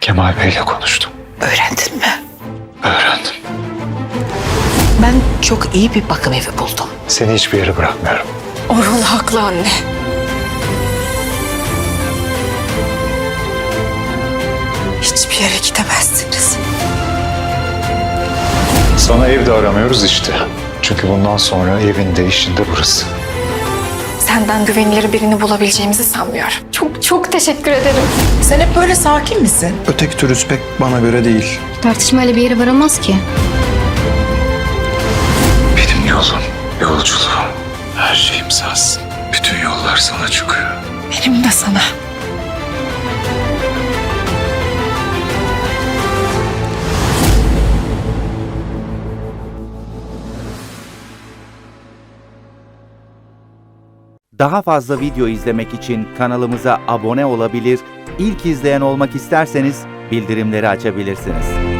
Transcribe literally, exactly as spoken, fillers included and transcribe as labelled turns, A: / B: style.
A: Kemal Bey'le konuştum.
B: Öğrendin mi?
A: Öğrendim.
B: Ben çok iyi bir bakım evi buldum.
A: Seni hiçbir yere bırakmıyorum.
B: Orhun haklı anne. Hiçbir yere gidemezsiniz.
A: Sana ev de aramıyoruz işte. Çünkü bundan sonra evin de işin de burası.
B: Senden güvenilir birini bulabileceğimizi sanmıyorum.
C: Çok çok teşekkür ederim.
D: Sen hep böyle sakin misin?
E: Öteki türüs pek bana göre değil.
C: Tartışmayla bir yere varamaz ki.
A: Benim yolum, yolculuğum, her şeyim sensin. Bütün yollar sana çıkıyor.
B: Benim de sana.
F: Daha fazla video izlemek için kanalımıza abone olabilir, ilk izleyen olmak isterseniz bildirimleri açabilirsiniz.